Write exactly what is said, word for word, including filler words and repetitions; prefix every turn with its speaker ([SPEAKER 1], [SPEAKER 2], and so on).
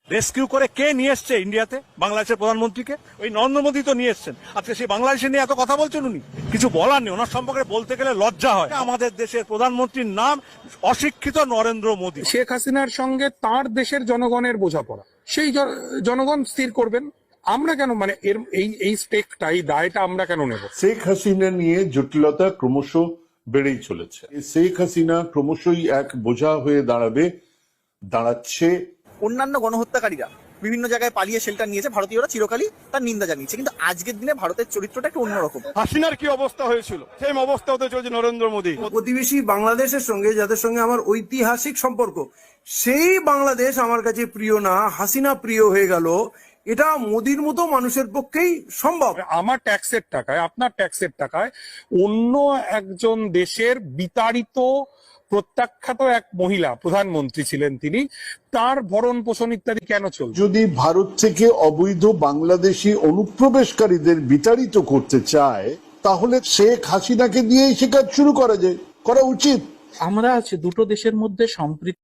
[SPEAKER 1] Rescue করে কে নিয়ে এসছে ইন্ডিয়াতে বাংলাদেশের প্রধানমন্ত্রীকে? ওই নরেন্দ্র মোদী তো নিয়ে এসছেন। আজকে সেই বাংলাদেশে নিয়ে এত কথা বলছেন উনি, কিছু বলার নেই ওনার সম্পর্কে বলতে গেলে লজ্জা হয়। আমাদের দেশের প্রধানমন্ত্রীর নাম অশিক্ষিত নরেন্দ্র মোদী।
[SPEAKER 2] শেখ হাসিনার সঙ্গে তার দেশের জনগণের বোঝাপড়া, সেই জনগণ স্থির করবেন। আমরা কেন মানে এর এই এই স্টেকটা এই দায়টা আমরা কেন নেব?
[SPEAKER 3] শেখ হাসিনা নিয়ে জটিলতা ক্রমশ বেড়েই চলেছে। শেখ হাসিনা ক্রমশই এক বোঝা হয়ে দাঁড়াবে, দাঁড়াচ্ছে।
[SPEAKER 4] অন্যান্য গণহত্যাকারীরা বিভিন্ন জায়গায় পালিয়ে শেল্টার নিয়েছে, ভারতীয়রা চিরকালই তার নিন্দা জানিয়েছে, কিন্তু আজকের দিনে ভারতের চরিত্রটা একটু অন্যরকম।
[SPEAKER 1] হাসিনার কি অবস্থা হয়েছিল সেম অবস্থা হতে চলছে নরেন্দ্র মোদী।
[SPEAKER 5] প্রতিবেশী বাংলাদেশের সঙ্গে যাদের সঙ্গে আমার ঐতিহাসিক সম্পর্ক, সেই বাংলাদেশ আমার কাছে প্রিয় না, হাসিনা প্রিয় হয়ে গেল, এটা মোদির মতো মানুষের পক্ষেই সম্ভব।
[SPEAKER 2] আমার ট্যাক্সের টাকায়, আপনার ট্যাক্সের টাকায় অন্য একজন দেশের বিতাড়িত প্রত্যাখ্যাত এক মহিলা প্রধানমন্ত্রী ছিলেন, তিনি, তার ভরণ পোষণ ইত্যাদি কেন চলছে?
[SPEAKER 3] যদি ভারত থেকে অবৈধ বাংলাদেশি অনুপ্রবেশকারীদের বিতাড়িত করতে চায়, তাহলে শেখ হাসিনাকে দিয়েই সে কাজ শুরু করা যায়, করা উচিত।
[SPEAKER 6] আমরা আছি দুটো দেশের মধ্যে সম্পৃক্ত